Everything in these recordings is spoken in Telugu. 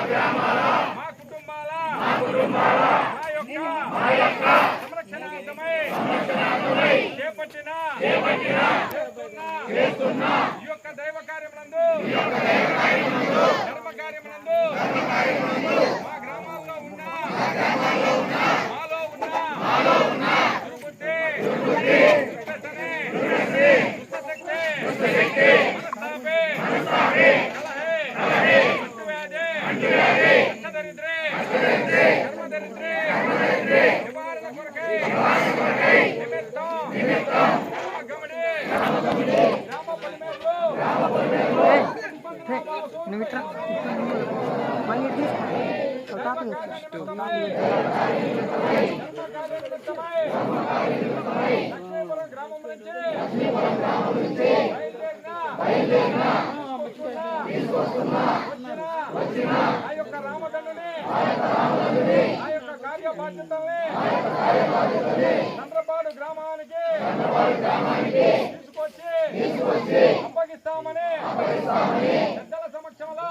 మా కుటుంబాల మా యొక్క సంరక్షణార్థమై చేపట్టిన చేస్తున్న ఈ యొక్క దైవ కార్యమునందు ధర్మ కార్యమునందు మా గ్రామాల్లో ఉన్న మాలో ఉన్న దుర్బుద్ధి దుష్టశక్తి మనస్తాపే కలహే అంటువ్యాధి అష్టదరిద్రే ధర్మదరిద్రే నివారణ కొరకై నిమిత్తం గమడి గ్రామ పొలిమేరలో గ్రామం నుంచి ఆ యొక్క రామదండుని ఆ యొక్క కార్య బాధ్యతల్ని చంద్రపాడు గ్రామానికి తీసుకొచ్చి అప్పగిస్తామని పెద్దల సమక్షంలో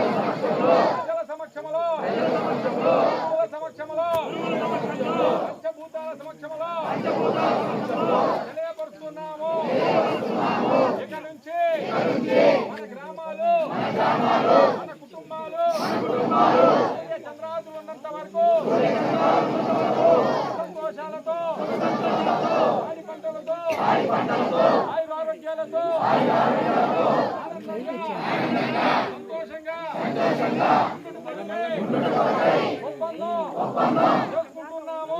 పంచభూతాల సమక్షంలో తెలియపరుస్తున్నాము. ఇక నుంచి మన గ్రామాలు మన కుటుంబాలు చంద్రాదులు ఉన్నంత వరకు సంతోషాలతో ఆడి పంటలతో ఆయురారోగ్యాలతో సంతోషంగా ఒప్పందం చేసుకుంటున్నాము,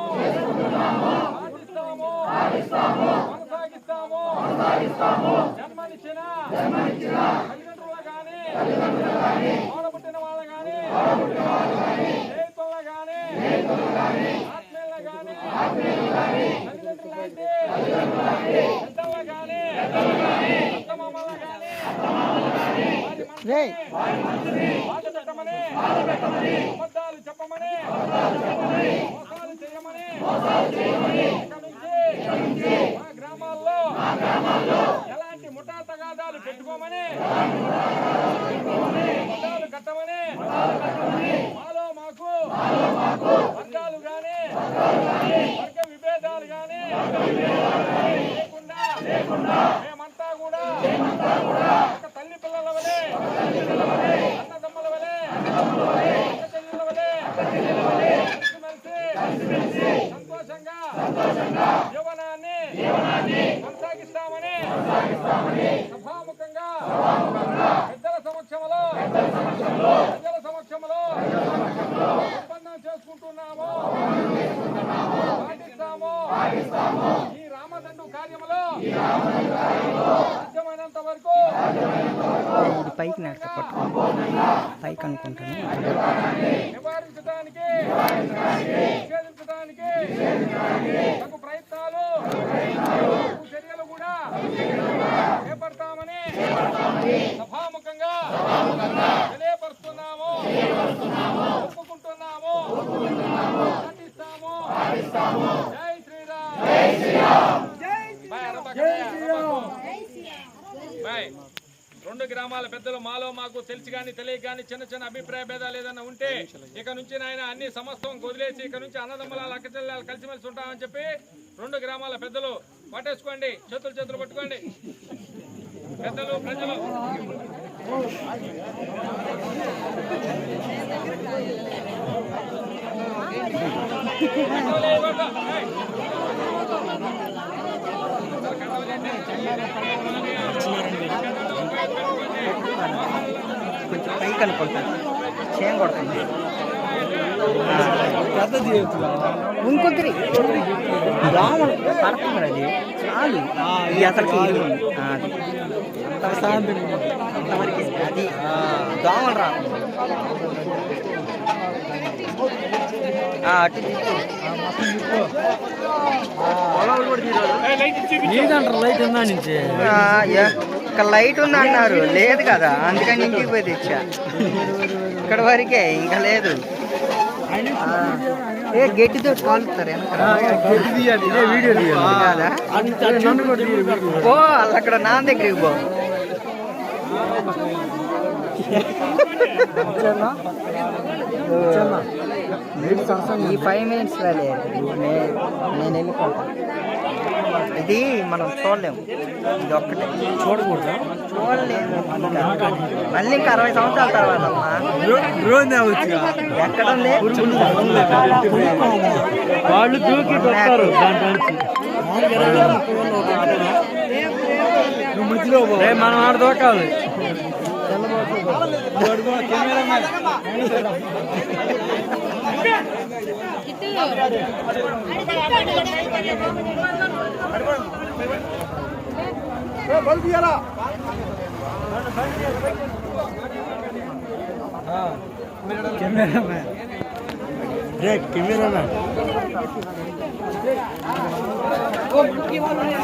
సాగిస్తాము, కొనసాగిస్తాము. జన్మనిచ్చిన తల్లిదండ్రులు గాని తోడబుట్టిన వాళ్ళు గాని స్నేహితులు గాని ఆత్మీయులు గాని తల్లిదండ్రులు లాంటి పెద్దలు గాని అత్తమామల గాని బాధ పెట్టమని అబద్ధాలు చెప్పమని మోసాలు చేయమని ఇక్కడ నుంచి మా గ్రామాల్లో ఎలాంటి ముఠా తగాదాలు పెట్టుకోమని ముఠాలు కట్టమని మాలో మాకు వర్గాలు గాని వర్గ విభేదాలు గాని లేకుండా మేమంతా కూడా ఒక తల్లి పిల్లల వలె అన్నదమ్మల వలె అక్క చెల్లెల వలె కలిసిమెలిసి సంతోషంగా జీవనాన్ని కొనసాగిస్తామని సభాముఖంగా పెద్దల సమక్షంలో ఒప్పందం చేసుకుంటున్నాము, పాటిస్తాము. ఈ రామదండు కార్యములో సాధ్యమైనంత వరకు పైకి పైకి అనుకుంటాను నివారించడానికి నిషేధించడానికి తగు ప్రయత్నాలు చర్యలు కూడా చేపడతామని సభాముఖంగా తెలియపరుస్తున్నాము, ఒప్పుకుంటున్నాము, పాటిస్తాము. జై శ్రీరామ్. బాయ్. రెండు గ్రామాల పెద్దలు మాలో మాకు తెలిసి కానీ తెలియక కానీ చిన్న అభిప్రాయ భేదాలు ఏదైనా ఉంటే ఇక నుంచి నాయన అన్ని సమస్తం వదిలేసి ఇక నుంచి అన్నదమ్ముల అక్కచెల్లెలు కలిసిమెలిసి ఉంటామని చెప్పి రెండు గ్రామాల పెద్దలు పట్టేసుకోండి, చేతులు పట్టుకోండి. పెద్దలు ప్రజలు కొంచెం పైకి అనుకుంటాను, చేయం కొడుతుంది. ఇంకొద్ది దోమలు పడుతుంది, అది చాలు. అసలుకి అంతవరకు అది దోమలు రాదు. అటు లైట్ ఉందా నుంచి ఇక్కడ లైట్ ఉంది అన్నారు, లేదు కదా, అందుకని ఇంటికి పోయి తెచ్చా. ఇక్కడ వరకే, ఇంకా లేదు. గట్టితో కాలుతారు పో, అక్కడ నా దగ్గరికి పో. ఈ 5 minutes రాలే నేను వెళ్ళిపోతాను. ఇది మనం చూడలేము, ఇది ఒక్కటే చూడకూడదు, చూడలేము. మళ్ళీ ఇంకా 60 సంవత్సరాల తర్వాత అమ్మా ఎక్కడ ఉంది? వాళ్ళు దూకి కొట్టారు మనం ఆడ దూకాలి. కెమెరామ్యాన్